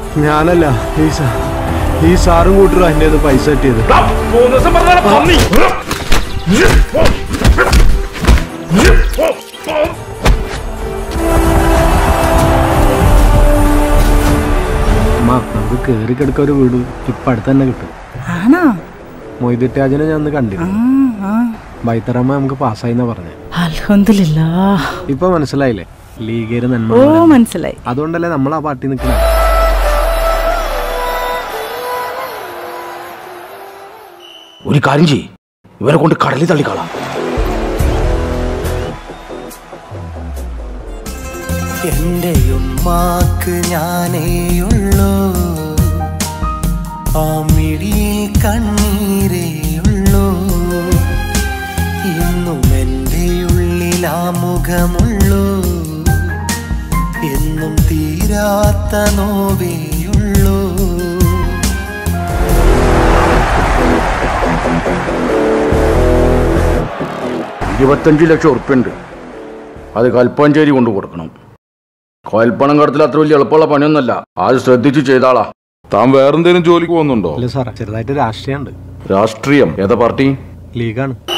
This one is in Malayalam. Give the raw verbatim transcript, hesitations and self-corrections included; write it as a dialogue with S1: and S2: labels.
S1: ഞാനല്ല, ഈ സാറും കൂട്ടരും അതിൻ്റെ പൈസ കിട്ടിയത്. നമുക്ക് കേറി കിടക്ക ഒരു വീട് ഇപ്പൊ അടുത്ത് തന്നെ കിട്ടും. മൊയ്തുറ്റാജിനെ ഞാൻ കണ്ടിരുന്നു. ബൈത്തറമ്മ നമുക്ക് പാസ്സായിന്നാ പറഞ്ഞേ.
S2: അൽഹംദുലില്ലാഹ്.
S1: ഇപ്പൊ മനസ്സിലായില്ലേ ലീഗേര് നന്മ?
S2: ഓ മനസ്സിലായി.
S1: അതുകൊണ്ടല്ലേ നമ്മൾ ആ പാർട്ടി നിൽക്കുന്നത്.
S3: ഒരു കാര്യം ചെയ്യ്, ഇവരെ കൊണ്ട് കടലിൽ തള്ളിക്കളാം.
S4: എന്റെ ഉമ്മാക്ക് ഞാനേയുള്ളൂ, ആ മിഴിയിൽ കണ്ണീരേയുള്ളൂ. ഇന്നും എൻ്റെ ഉള്ളിൽ ആ മുഖമുള്ളൂ, എന്നും തീരാത്ത നോവേയുള്ളൂ.
S3: ഇരുപത്തഞ്ച് ലക്ഷം ഉറുപ്പ്യുണ്ട്, അത് കൽപ്പാഞ്ചേരി കൊണ്ടു കൊടുക്കണം. കോയൽപ്പണം കടത്തിൽ അത്ര വലിയ എളുപ്പമുള്ള പണിയൊന്നല്ല, അത് ശ്രദ്ധിച്ച് ചെയ്താളാ.
S5: താൻ വേറെന്തെങ്കിലും ജോലിക്ക് പോകുന്നുണ്ടോ?
S1: അല്ല സാറേ, ചെറുതായിട്ട് രാഷ്ട്രീയമുണ്ട്.
S3: രാഷ്ട്രീയം? ഏതാ പാർട്ടി?
S1: ലീഗാണ്.